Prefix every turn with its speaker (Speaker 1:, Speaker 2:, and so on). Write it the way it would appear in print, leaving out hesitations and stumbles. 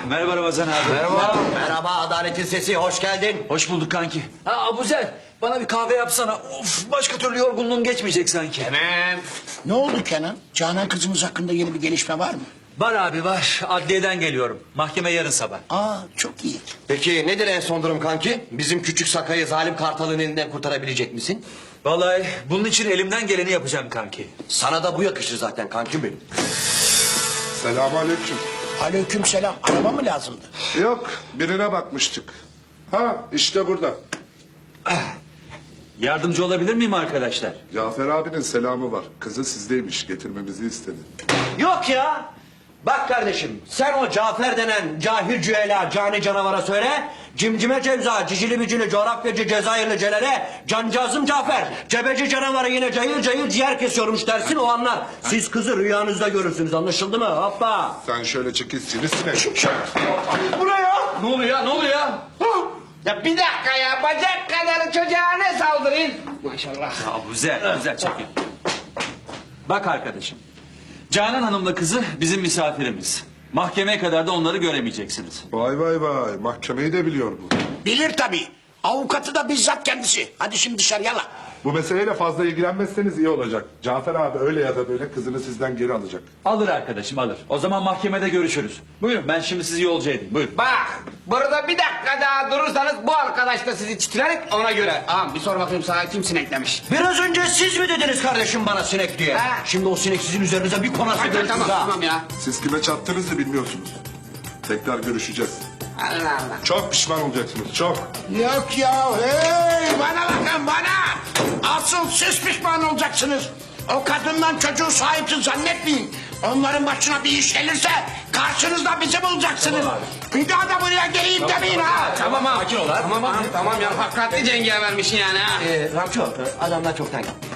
Speaker 1: Merhaba Ramazan abi.
Speaker 2: Merhaba. Merhaba Adaletin Sesi, hoş geldin.
Speaker 1: Hoş bulduk kanki. Ha Abuzer, bana bir kahve yapsana. Of, başka türlü yorgunluğum geçmeyecek sanki.
Speaker 2: Hemen.
Speaker 3: Ne oldu Kenan? Canan kızımız hakkında yeni bir gelişme var mı?
Speaker 1: Var abi var. Adliyeden geliyorum. Mahkeme yarın sabah.
Speaker 3: Aa, çok iyi.
Speaker 2: Peki nedir en son durum kanki? Bizim küçük Sakay'ı zalim kartalın elinden kurtarabilecek misin?
Speaker 1: Vallahi bunun için elimden geleni yapacağım kanki.
Speaker 2: Sana da bu yakışır zaten kankim benim.
Speaker 4: Selamünaleyküm.
Speaker 3: Aleykümselam. Araba mı lazımdı?
Speaker 4: Yok, birine bakmıştık. Ha, işte burada.
Speaker 1: Yardımcı olabilir miyim arkadaşlar?
Speaker 4: Cafer abinin selamı var. Kızı sizdeymiş, getirmemizi istedi.
Speaker 2: Yok ya. Bak kardeşim, sen o Cafer denen cahil cüela cani canavara söyle. Cimcime Cevza, cicili bicili coğrafyacı Cezayirli Celal'e, cancağızım Cafer, cebeci canavarı yine cayır cayır ciğer kesiyormuş dersin, o anlar. Siz kızı rüyanızda görürsünüz, anlaşıldı mı? Hoppa.
Speaker 4: Sen şöyle çekil sivrisinek.
Speaker 2: Bu ne ya?
Speaker 1: Ne oluyor ya? Ne oluyor ya?
Speaker 5: Ya bir dakika ya, bacak kadar çocuğa ne saldırayım? Maşallah.
Speaker 1: Abuzer çekil. Bak arkadaşım. Canan Hanım'la kızı bizim misafirimiz. Mahkemeye kadar da onları göremeyeceksiniz.
Speaker 4: Vay vay vay, mahkemeyi de biliyor bu.
Speaker 3: Bilir tabii. Avukatı da bizzat kendisi. Hadi şimdi dışarı yala.
Speaker 4: Bu meseleyle fazla ilgilenmezseniz iyi olacak. Cafer abi öyle ya da böyle kızını sizden geri alacak.
Speaker 1: Alır arkadaşım alır. O zaman mahkemede görüşürüz. Buyurun ben şimdi sizi yolcu edeyim. Buyurun.
Speaker 5: Bak, burada bir dakika daha durursanız bu arkadaş da sizi çitiler ona göre. Ağam bir sor bakayım sana kim sineklemiş?
Speaker 2: Biraz önce siz mi dediniz kardeşim bana sinek diye?
Speaker 5: Ha.
Speaker 2: Şimdi o sinek sizin üzerinize bir konası
Speaker 5: Tamam,
Speaker 2: görürsünüz ha.
Speaker 5: tamam ya.
Speaker 4: Siz kime çattığınızı bilmiyorsunuz. Tekrar görüşeceğiz.
Speaker 5: Allah Allah.
Speaker 4: Çok pişman olacaksınız, çok.
Speaker 3: Yok ya. Hey, bana bakın bana. Asıl siz pişman olacaksınız. O kadından çocuğu sahipsiz zannetmeyin. Onların başına bir iş gelirse karşınızda bizi bulacaksınız. Bir daha da buraya geleyim demeyin ha.
Speaker 5: Tamam abi. Tamam abi. Tamam ya, hakikatli cengavermişsin yani ha.
Speaker 2: Ramço, adamlar çoktan gitti.